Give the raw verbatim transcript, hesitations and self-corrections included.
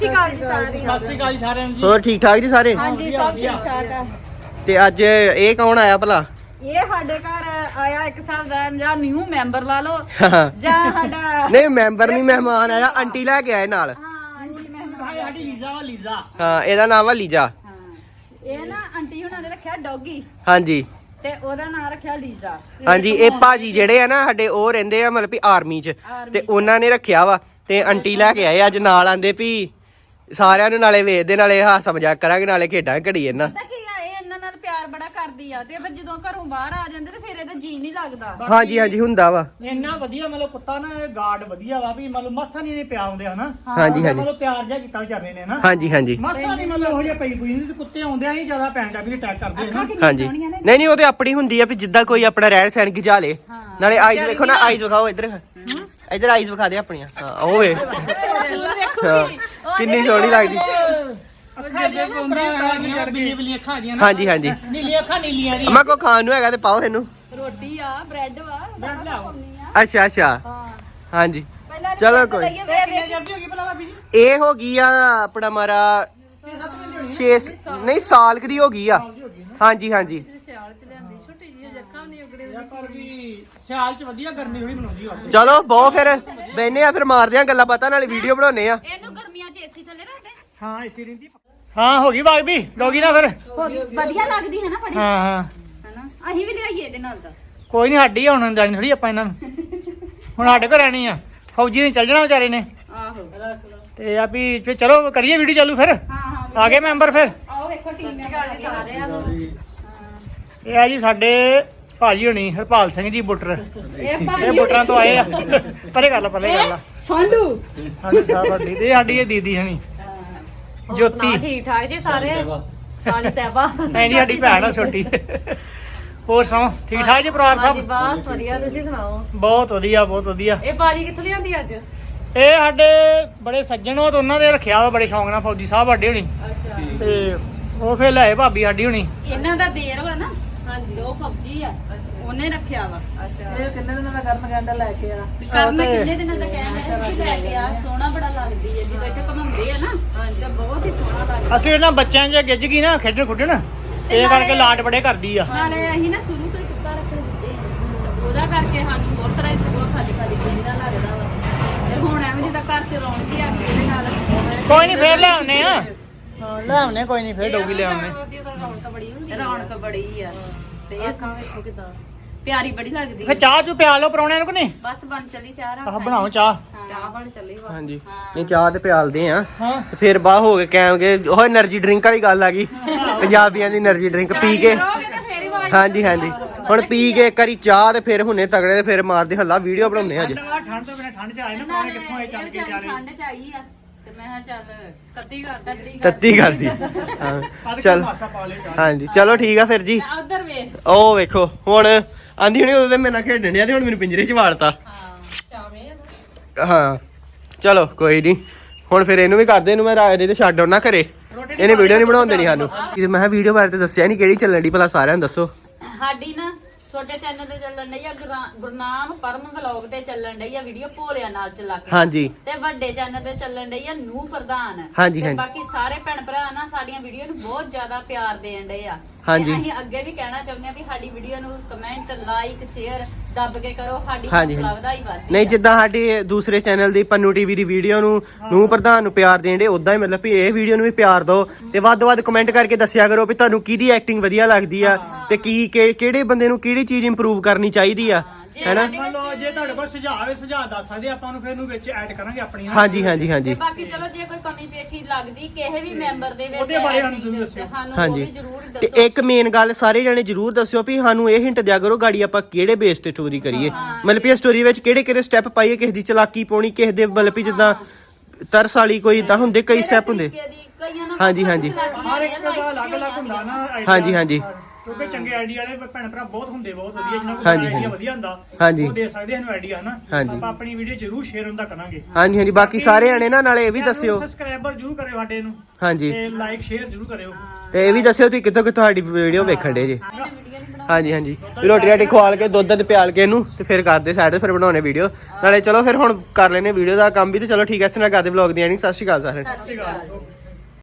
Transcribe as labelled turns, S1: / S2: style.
S1: ਸਤਿ ਸ਼੍ਰੀ ਅਕਾਲ ਸਾਰਿਆਂ ਨੂੰ ਜੀ।
S2: ਹੋਰ ਠੀਕ ਠਾਕ ਜੀ ਸਾਰੇ?
S3: ਹਾਂਜੀ ਸਭ ਠੀਕ ਠਾਕ ਆ।
S2: ਤੇ ਅੱਜ ਇਹ ਕੌਣ ਆਇਆ ਭਲਾ?
S3: ਇਹ ਸਾਡੇ ਘਰ ਆਇਆ ਇੱਕ ਹਿਸਾਬ ਦਾ ਜਾਂ ਨਿਊ ਮੈਂਬਰ ਲਾ ਲਓ ਜਾਂ ਸਾਡਾ
S2: ਨਹੀਂ ਮੈਂਬਰ ਨਹੀਂ, ਮਹਿਮਾਨ ਆਇਆ। ਆਂਟੀ ਲੈ ਕੇ ਆਏ ਨਾਲ।
S3: ਹਾਂ ਆਂਟੀ ਮਹਿਮਾਨ
S1: ਸਾਡੀ ਲੀਜ਼ਾ ਵਾ ਲੀਜ਼ਾ।
S2: ਹਾਂ ਇਹਦਾ ਨਾਮ ਵਾ ਲੀਜਾ।
S3: ਹਾਂ ਇਹ ਨਾ ਆਂਟੀ ਹੁਣਾਂ ਨੇ ਰੱਖਿਆ ਡੌਗੀ
S2: ਹਾਂਜੀ
S3: ਤੇ ਉਹਦਾ ਨਾਮ ਰੱਖਿਆ ਲੀਜ਼ਾ।
S2: ਹਾਂਜੀ ਇਹ ਭਾਜੀ ਜਿਹੜੇ ਆ ਨਾ ਸਾਡੇ ਉਹ ਰਹਿੰਦੇ ਆ ਮਤਲਬ ਵੀ ਆਰਮੀ 'ਚ ਤੇ ਉਹਨਾਂ ਨੇ ਰੱਖਿਆ ਵਾ ਤੇ ਆਂਟੀ ਲੈ ਕੇ ਆਏ ਅੱਜ ਨਾਲ। ਆਂਦੇ ਵੀ ਸਾਰਿਆਂ ਨੂੰ ਨਾਲੇ ਵੇਖਦੇ ਨਾਲੇ ਹਾਸਾ ਮਜ਼ਾਕ ਕਰਾਂਗੇ ਨਾਲੇ ਖੇਡਾਂ ਘੜੀ ਇਹਨਾਂ।
S3: ਪਤਾ ਕੀ ਆ ਇਹ ਇਹਨਾਂ ਨਾਲ ਪਿਆਰ ਬੜਾ ਕਰਦੀ ਆ ਤੇ ਫਿਰ ਜਦੋਂ ਘਰੋਂ ਬਾਹਰ ਆ ਜਾਂਦੇ ਤੇ ਫਿਰ ਇਹਦਾ ਜੀ ਨਹੀਂ ਲੱਗਦਾ।
S2: ਹਾਂਜੀ ਹਾਂਜੀ ਹੁੰਦਾ ਵਾ।
S1: ਇੰਨਾ ਵਧੀਆ ਮਤਲਬ ਕੁੱਤਾ ਨਾ ਗਾਰਡ ਵਧੀਆ ਵਾ ਵੀ ਮਤਲਬ ਮੱਸਾ ਨਹੀਂ ਨੇ ਪਿਆ ਹੁੰਦੇ ਹਨਾ।
S2: ਹਾਂਜੀ ਹਾਂਜੀ
S1: ਮਤਲਬ ਪਿਆਰ ਜਿਹਾ ਕੀਤਾ ਵਿਚਾਰੇ ਨੇ ਨਾ।
S2: ਹਾਂਜੀ ਹਾਂਜੀ
S1: ਮੱਸਾ ਨਹੀਂ ਮਤਲਬ ਉਹ ਜਿਹਾ ਪਈ ਪਈ ਨਹੀਂ। ਕੁੱਤੇ ਆਉਂਦੇ ਆ ਹੀ ਜ਼ਿਆਦਾ ਪੈਂਟਾ ਵੀ ਅਟੈਕ ਕਰਦੇ ਹਨ।
S2: ਹਾਂਜੀ ਨਹੀਂ ਨਹੀਂ ਉਹ ਤੇ ਆਪਣੀ ਹੁੰਦੀ ਆ ਵੀ ਜਿੱਦਾਂ ਕੋਈ ਆਪਣਾ ਰਹਿਣ ਸਹਿਣ ਗਿਜਾ ਲੇ। ਨਾਲੇ ਆਈਜ਼ ਵੇਖੋ ਨਾ, ਆਈਜ਼ ਵਿਖਾਓ ਇੱਧਰ ਇੱਧਰ ਆਈਜ਼ ਵਿਖਾ ਦੇ ਆਪਣੀਆਂ। ਹਾਂ ਉਹ ਵੇ ਕਿੰਨੀ ਸੋਹਣੀ ਲੱਗਦੀ।
S1: ਅੱਖਾਂ ਦੇ ਕੋਂਦੇ ਬਿਜਲੀ ਅੱਖਾਂ ਦੀਆਂ ਨਾ।
S2: ਹਾਂਜੀ ਹਾਂਜੀ
S1: ਨੀਲੀ ਅੱਖਾਂ ਨੀਲੀਆਂ ਦੀ।
S2: ਅਮਾ ਕੋ ਖਾਣ ਨੂੰ ਹੈਗਾ ਤੇ ਪਾਓ ਇਹਨੂੰ।
S3: ਰੋਟੀ ਆ ਬ੍ਰੈਡ ਵਾ
S1: ਬ੍ਰੈਡ ਲਿਆਓ।
S2: ਅੱਛਾ ਅੱਛਾ
S3: ਹਾਂ
S2: ਹਾਂਜੀ
S3: ਪਹਿਲਾਂ
S2: ਚਲੋ ਕੋਈ
S1: ਕਿੰਨੇ ਜਲਦੀ ਹੋ ਗਈ ਭਲਾ ਭਾਬੀ ਜੀ?
S2: ਇਹ ਹੋ ਗਈ ਆ ਆਪਣਾ ਮਾਰਾ ਛੇ ਨਹੀਂ ਸਾਲ ਕਦੀ ਹੋ ਗਈ ਆ। ਹਾਂਜੀ ਹਾਂਜੀ
S3: ਸਿਆਲ ਚ ਲਿਆਂਦੀ ਛੋਟੀ ਜਿਹੀ ਅੱਖਾਂ ਨਹੀਂ ਉਗੜੇ।
S1: ਯਾਰ ਪਰ ਵੀ ਸਿਆਲ ਚ ਵਧੀਆ ਗਰਮੀ ਹੋਣੀ ਬਣਾਉਂਦੀ ਆ।
S2: ਚਲੋ ਬਹੁਤ ਫਿਰ ਬੈਨੇ ਆ ਫਿਰ ਮਾਰਦੇ ਆ ਗੱਲਾਂ ਪਤਾ ਨਾਲੇ ਵੀਡੀਓ ਬਣਾਉਨੇ ਆ।
S3: ਇਹਨੂੰ ਗਰਮੀਆਂ ਚ ਏਸੀ ਥੱਲੇ ਰੱਖਦੇ
S1: ਹਾਂ ਇਸੇ ਰਿੰਦੀ। ਹਾਂ ਹੋ ਗਈ ਭਾਬੀ ਡੋਗੀ ਨਾ ਫਿਰ।
S3: ਵਧੀਆ ਲੱਗਦੀ ਹੈ ਨਾ ਫੜੀ
S1: ਹਾਂ ਹਾਂ
S3: ਹੈਨਾ। ਅਸੀਂ ਵੀ ਲਿਆਈਏ ਇਹਦੇ ਨਾਲ ਤਾਂ
S1: ਕੋਈ ਨਹੀਂ ਸਾਡੀ ਹੁਣ ਜਾਣੀ ਥੋੜੀ ਆਪਾਂ ਇਹਨਾਂ ਨੂੰ ਹੁਣ ਸਾਡੇ ਘਰ ਰਹਿਣੀ ਆ। ਫੌਜੀ ਨੇ ਚੱਲ ਜਾਣਾ ਵਿਚਾਰੇ ਨੇ
S3: ਆਹੋ ਰੱਖ ਲਓ।
S1: ਤੇ ਆ ਵੀ ਫਿਰ ਚਲੋ ਕਰੀਏ ਵੀਡੀਓ ਚਾਲੂ ਫਿਰ।
S3: ਹਾਂ ਹਾਂ
S1: ਆ ਗਏ ਮੈਂਬਰ ਫਿਰ।
S3: ਆਓ ਵੇਖੋ ਟੀਮ ਸਾਰਿਆਂ ਨੂੰ।
S1: ਇਹ ਆ ਜੀ ਸਾਡੇ ਭਾਜੀ ਹੋਣੀ ਹਰਪਾਲ ਸਿੰਘ ਜੀ ਬੁੱਟਰ।
S3: ਇਹ
S1: ਇਹ
S3: ਭਾਜੀ
S1: ਬੁੱਟਰਾਂ ਤੋਂ ਆਏ ਆ। ਪਰੇ ਗੱਲ ਪਰੇ ਗੱਲ ਆ।
S3: ਸੰਡੂ
S1: ਹਾਂਜੀ ਸਾਡੀ ਤੇ ਸਾਡੀ ਇਹ ਦੀਦੀ ਹਣੀ ਜੋਤੀ।
S4: ਠੀਕ ਠਾਕ ਜੀ ਸਾਰੇ ਸਾਲੀ ਤੈਬਾ
S1: ਐ ਜੀ ਸਾਡੀ ਭੈਣ ਆ ਛੋਟੀ। ਹੋਰ ਸੁਣਾਓ ਠੀਕ ਠਾਕ ਜੀ ਪਰਿਵਾਰ
S4: ਹਾਂਜੀ
S1: ਸਭ?
S4: ਬਸ ਵਧੀਆ ਤੁਸੀਂ ਸੁਣਾਓ।
S1: ਬਹੁਤ ਵਧੀਆ ਬਹੁਤ ਵਧੀਆ।
S4: ਇਹ ਬਾਜੀ ਕਿੱਥੋਂ ਲਿਆਂਦੀ ਅੱਜ?
S1: ਇਹ ਸਾਡੇ ਬੜੇ ਸੱਜਣ ਉਹ ਤਾਂ ਉਹਨਾਂ ਦੇ ਰੱਖਿਆ ਵਾ ਬੜੇ ਸ਼ੌਂਕ ਨਾਲ ਫੌਜੀ ਸਾਹਿਬ ਵੱਡੇ ਹੋਣੀ। ਤੇ ਉਹ ਫੇਰ ਲੈ ਭਾਬੀ ਸਾਡੀ ਹੋਣੀ।
S3: ਇਹਨਾਂ ਦਾ ਦੇਰ ਵਾ ਨਾ।
S4: ਹਾਂਜੀ
S3: ਉਹ ਫੌਜੀ ਆ ਉਹਨੇ ਰੱਖਿਆ ਵਾ।
S4: ਅੱਛਾ ਇਹ ਕਿੰਨੇ ਦਿਨਾਂ ਦਾ ਕਰਨ ਗੰਡਾ ਲੈ ਕੇ ਆ?
S3: ਕਰਨ ਕਿੰਨੇ ਦਿਨਾਂ ਦਾ ਕਹਿੰਦਾ ਕਿ ਲੈ ਕੇ ਆ। ਸੋਹਣਾ ਬੜਾ ਲੱਗਦੀ ਹੈ ਜਦੋਂ ਇੱਥੇ ਘਮਾਉਂਦੇ ਆ ਨਾ ਤਾਂ ਬਹੁਤ ਹੀ ਸੋਹਣਾ ਲੱਗਦਾ।
S1: ਅਸੀਂ ਇਹਨਾਂ ਬੱਚਿਆਂ ਜੇ ਗਿੱਜ ਗਈ ਨਾ ਖੇਡਣ ਖੁੱਡਣ ਇਹ ਕਰਕੇ ਲਾਡ ਬੜੇ ਕਰਦੀ ਆ।
S3: ਨਾਲੇ ਅਸੀਂ ਨਾ ਸ਼ੁਰੂ ਤੋਂ ਹੀ ਕੁੱਤਾ ਰੱਖਣ ਦਿੱਤੇ ਆ। ਉਹਦਾ ਕਰਕੇ ਸਾਨੂੰ ਬਹੁਤ ਤਰ੍ਹਾਂ ਦੀ ਬਹੁਤ ਖਾਲੀ ਖਾਲੀ ਜਿਹਦਾ ਲੱਗਦਾ ਵਾ। ਤੇ ਹੁਣ ਐਵੇਂ ਜਿੱਦਾਂ ਘਰ ਚ ਰੌਣਕ ਹੀ ਆ ਗਈ ਇਹਦੇ ਨਾਲ।
S1: ਕੋਈ ਨਹੀਂ ਫੇਰ ਲੈ ਆਉਨੇ ਆ। ਹਾਂ ਲੈ ਆਉਨੇ ਕੋਈ ਨਹੀਂ ਫੇਰ ਡੋਗੀ ਲੈ ਆਉਨੇ।
S4: ਰੌਣਕ ਬੜੀ ਹੁੰਦੀ
S3: ਰੌਣਕ ਬੜੀ ਆ ਤੇ ਇਹ
S4: ਅੱਖਾਂ ਵੇਖੋ ਕਿਦਾਂ
S3: ਪਿਆਰੀ ਬੜੀ ਲੱਗਦੀ
S1: ਫੇਰ ਚਾਹ ਚੂ ਪਿਆ ਲਓ ਪਰੌਣਿਆਂ ਨੂੰ ਕਿ ਨਹੀਂ?
S3: ਬਸ ਬਣ ਚੱਲੀ ਚਾਹ
S1: ਆਹ
S3: ਰੱਖ
S1: ਬਣਾਓ ਚਾਹ।
S4: ਚਾਹ ਬਣ ਚੱਲੀ ਵਾ।
S2: ਹਾਂਜੀ ਨਹੀਂ ਚਾਹ ਤੇ ਪਿਆਲਦੇ ਆ
S1: ਹਾਂ
S2: ਤੇ ਫਿਰ ਬਾਹ ਹੋ ਕੇ ਕਹਾਂਗੇ ਉਹ એનર્ਜੀ ਡਰਿੰਕ ਵਾਲੀ ਗੱਲ ਆ ਗਈ। ਪੰਜਾਬੀਆਂ ਦੀ એનર્ਜੀ ਡਰਿੰਕ ਪੀ ਕੇ।
S4: ਫੇਰ ਹੀ ਆਵਾਜ਼
S2: ਹਾਂਜੀ ਹਾਂਜੀ ਹੁਣ ਪੀ ਕੇ ਇੱਕ ਵਾਰੀ ਚਾਹ ਤੇ ਫਿਰ ਹੁਣੇ ਤਗੜੇ ਤੇ ਫਿਰ ਮਾਰਦੇ ਹੱਲਾ ਵੀਡੀਓ ਬਣਾਉਂਦੇ ਆ ਅੱਜ।
S1: ਠੰਡ ਤੋਂ ਬਿਨਾ ਠੰਡ ਚ ਆਏ ਨਾ ਪਾਣੇ ਕਿੱਥੋਂ ਆਏ ਚੱਲ ਕੇ ਵਿਚਾਰੇ।
S3: ਠੰਡ ਚ ਆਈ ਆ ਤੇ ਮੈਂ ਕਿਹਾ ਚੱਲ
S4: ਕੱਤੀ ਕਰ
S3: ਤੱਤੀ
S2: ਤੱਤੀ ਕਰਦੀ ਹਾਂ ਚਲ
S1: ਮਾਸਾ ਪਾ ਲਿਓ ਚਾਹ।
S2: ਹਾਂਜੀ ਚਲੋ ਠੀਕ ਆ ਫਿਰ ਜੀ।
S3: ਉਧਰ ਵੇਖ
S2: ਉਹ ਵੇਖੋ ਹੁਣ ਆਂਦੀ ਹੁਣੀ ਉਦੋਂ ਤੇ ਮੇਰੇ ਨਾਲ ਖੇਡਣ ਡਿਆ ਤੇ ਹੁਣ ਮੈਨੂੰ ਪਿੰਜਰੇ 'ਚ ਵਾੜਤਾ।
S3: ਹਾਂ
S2: ਹਾਂ ਚਲੋ ਕੋਈ ਨਹੀਂ ਹੁਣ ਫਿਰ ਇਹਨੂੰ ਵੀ ਕਰਦੇ ਇਹਨੂੰ ਮੈਂ ਰਾਜੇ ਤੇ ਛੱਡ ਆਉਣਾ ਘਰੇ। ਇਹਨੇ ਵੀਡੀਓ ਨਹੀਂ ਬਣਾਉਣ ਦੇਣੀ ਸਾਨੂੰ। ਮੈਂ ਕਿਹਾ ਵੀਡੀਓ ਬਾਰੇ ਤੇ ਦੱਸਿਆ ਨਹੀਂ ਕਿਹੜੀ ਚੱਲਣ ਦੀ ਭਲਾ ਸਾਰਿਆਂ ਨੂੰ ਦੱਸੋ।
S3: ਸਾਡੀ ਨਾ ਛੋਟੇ ਚੈਨਲ ਤੇ ਚੱਲਣ ਡਈ ਆ ਗੁਰਨਾਮ ਪਰਮ ਵਲੌਗ ਤੇ ਚੱਲਣ ਡਈ ਆ ਵੀਡੀਓ ਭੋਲਿਆਂ ਨਾਲ ਚਲਾ ਕੇ।
S2: ਹਾਂਜੀ
S3: ਤੇ ਵੱਡੇ ਚੈਨਲ ਤੇ ਚੱਲਣ ਡਈ ਆ ਨੂੰ ਪ੍ਰਧਾਨ।
S2: ਹਾਂਜੀ,
S3: ਤੇ
S2: ਹਾਂਜੀ।
S3: ਬਾਕੀ ਸਾਰੇ ਭੈਣ ਭਰਾ ਨਾ ਸਾਡੀਆਂ ਵੀਡੀਓ ਨੂੰ ਬਹੁਤ ਜ਼ਿਆਦਾ ਪਿਆਰ ਦੇਣ ਡਏ ਆ।
S2: ਹਾਂਜੀ।
S3: ਤੇ ਅਸੀਂ ਅੱਗੇ ਵੀ ਕਹਿਣਾ ਚਾਹੁੰਦੇ ਆ ਵੀ ਸਾਡੀ ਵੀਡੀਓ ਨੂੰ ਕਮੈਂਟ ਲਾਈਕ ਸ਼ੇਅਰ ਦੱਬ ਕੇ ਕਰੋ। ਸਾਡੀ
S2: ਹਾਂਜੀ,
S3: ਹੌਸਲਾ
S2: ਹਾਂਜੀ।
S3: ਵਧਾਈ ਵੱਧਦੀ
S2: ਨਹੀਂ
S3: ਆ।
S2: ਜਿੱਦਾਂ ਸਾਡੇ ਦੂਸਰੇ ਚੈਨਲ ਦੀ ਪੰਨੂ ਟੀਵੀ ਦੀ ਵੀਡੀਓ ਨੂੰ ਨੂੰ ਪ੍ਰਧਾਨ ਨੂੰ ਪਿਆਰ ਦੇਣ ਦੇ ਉਦਾਂ ਹੀ ਮਤਲਬ ਵੀ ਇਹ ਵੀਡੀਓ ਨੂੰ ਵੀ ਪਿਆਰ ਦਿਓ ਤੇ ਵੱਧ ਤੋਂ ਵੱਧ ਕਮੈਂਟ ਕਰਕੇ ਦੱਸਿਆ ਕਰੋ ਵੀ ਤੁਹਾਨੂੰ ਕਿਹਦੀ ਐਕਟਿੰਗ ਵਧੀਆ ਲੱਗਦੀ ਆ ਤੇ ਕੀ ਕਿ- ਕਿਹੜੇ ਬੰਦੇ ਨੂੰ ਕਿਹੜੀ ਚੀਜ਼ ਇੰਪਰੂਵ ਕਰਨੀ ਚਾਹੀਦੀ ਆ ਹੈਨਾ।
S1: ਮੰਨ ਲਓ ਜੇ ਤੁਹਾਡੇ ਕੋਲ ਸੁਝਾਅ ਹੋਵੇ ਸੁਝਾਅ ਦੱਸ ਸਕਦੇ ਆਪਾਂ ਨੂੰ ਫਿਰ ਨੂੰ ਵਿੱਚ ਐਡ ਕਰਾਂਗੇ ਆਪਣੀਆਂ।
S2: ਹਾਂਜੀ ਹਾਂਜੀ ਹਾਂਜੀ
S3: ਤੇ ਬਾਕੀ ਚਲੋ ਜੇ ਕੋਈ ਕਮੀ ਪੇਸ਼ੀ ਲੱਗਦੀ ਕਿਸੇ ਵੀ ਮੈਂਬਰ ਦੇ ਵਿੱਚ
S1: ਉਹਦੇ ਬਾਰੇ ਸਾਨੂੰ
S3: acting
S1: ਜ਼ਰੂਰ
S3: ਚ,
S1: ਦੱਸਿਓ।
S3: ਸਾਨੂੰ ਉਹ
S2: ਹਾਂਜੀ
S3: ਵੀ ਜ਼ਰੂਰ
S2: ਤੇ
S3: ਦੱਸੋ।
S2: ਇੱਕ ਮੇਨ ਗੱਲ ਸਾਰੇ ਜਣੇ ਜਰੂਰ ਦੱਸਿਓ ਵੀ ਸਾਨੂੰ ਇਹ ਹਿੰਟ ਦਿਆ ਕਰੋ ਗਾੜੀ ਆਪਾਂ ਕਿਹੜੇ ਬੇਸ ਤੇ ਸਟੋਰੀ ਕਰੀਏ। ਮਤਲਬ ਵੀ ਸਟੋਰੀ ਵਿੱਚ ਕਿਹੜੇ ਕਿਹੜੇ ਸਟੈਪ ਪਾਈਏ, ਕਿਸੇ ਦੀ ਚਲਾਕੀ ਪਾਉਣੀ, ਕਿਸੇ ਦੇ ਮਤਲਬ ਵੀ ਜਿੱਦਾਂ ਤਰਸ ਵਾਲੀ ਕੋਈ ਇਦਾਂ ਹੁੰਦੇ ਕਈ ਸਟੈਪ ਹੁੰਦੇ।
S3: ਤਰੀਕੇ ਦੀ, ਕਈਆਂ ਨਾਲ
S2: ਹਾਂਜੀ, ਹਾਂਜੀ।
S3: ਚਲਾਕੀਆਂ
S1: ਹਰ ਇੱਕ
S3: ਨੇ,
S1: ਦਾ
S3: life ਚ
S1: ਅਲੱਗ ਅਲੱਗ ਹੁੰਦਾ ਨਾ idea।
S2: ਹਾਂਜੀ, ਹਾਂਜੀ।
S1: ਕਿਉਂਕਿ ਚੰਗੇ ਆਈਡੀਆ ਵਾਲੇ ਭੈਣ ਭਰਾ ਬਹੁਤ ਹੁੰਦੇ, ਬਹੁਤ ਵਧੀਆ ਜਿਹਨਾਂ ਕੋਲ
S2: ਹਾਂਜੀ,
S1: ਆਈਡੀਆ
S2: ਹਾਂਜੀ।
S1: ਵਧੀਆ ਹੁੰਦਾ
S2: ਹਾਂਜੀ।
S1: ਉਹ ਦੇ ਸਕਦੇ ਹਨ ਆਈਡੀਆ ਹਨਾ।
S2: ਹਾਂਜੀ।
S1: ਆਪਾਂ ਆਪਣੀ ਵੀਡੀਓ ਜ਼ਰੂਰ ਸ਼ੇਅਰ ਹੁੰਦਾ ਕਰਾਂਗੇ।
S2: ਹਾਂਜੀ ਹਾਂਜੀ ਬਾਕੀ ਸਾਰੇ ਆਣੇ ਨਾ ਨਾਲੇ ਇਹ ਵੀ ਦੱਸਿਓ।
S1: ਸਬਸਕ੍ਰਾਈਬਰ ਜ਼ਰੂਰ ਕਰਿਓ ਸਾਡੇ ਨੂੰ
S2: ਹਾਂਜੀ
S1: ਤੇ ਲਾਈਕ ਸ਼ੇਅਰ ਜ਼ਰੂਰ ਕਰਿਓ।
S2: ਤੇ ਇਹ ਵੀ ਦੱਸਿਓ ਤੁਸੀਂ ਕਿੱਥੋਂ ਕਿੱਥੋਂ ਸਾਡੀ ਵੀਡੀਓ ਵੇਖਣ ਦੇ ਜੇ।
S3: ਇਹਨੇ ਵੀਡੀਓ ਨਹੀਂ ਬਣਾ
S2: ਹਾਂਜੀ ਹਾਂਜੀ ਵੀ ਰੋਟੀ ਰਾਟੀ ਖਵਾਲ ਕੇ ਦੁੱਧ ਤੇ ਪਿਆਲ ਕੇ ਇਹਨੂੰ ਤੇ ਫਿਰ ਕਰਦੇ ਸਾਈਡ ਤੇ ਫਿਰ ਬਣਾਉਣੇ ਵੀਡੀਓ ਨਾਲੇ। ਚਲੋ ਫਿਰ ਹੁਣ ਕਰ ਲੈਨੇ ਵੀਡੀਓ ਦਾ ਕੰਮ ਵੀ ਤੇ ਚਲੋ ਠੀਕ ਹੈ। ਇਸ ਨਾਲ ਕਰਦੇ ਵਲੌਗ ਦੀ ਐਂਡਿੰਗ। ਸਤਿ ਸ਼੍ਰੀ ਅਕਾਲ ਸਾਰਿਆਂ ਨੂੰ।
S3: ਸਤਿ ਸ਼੍ਰੀ ਅਕਾਲ।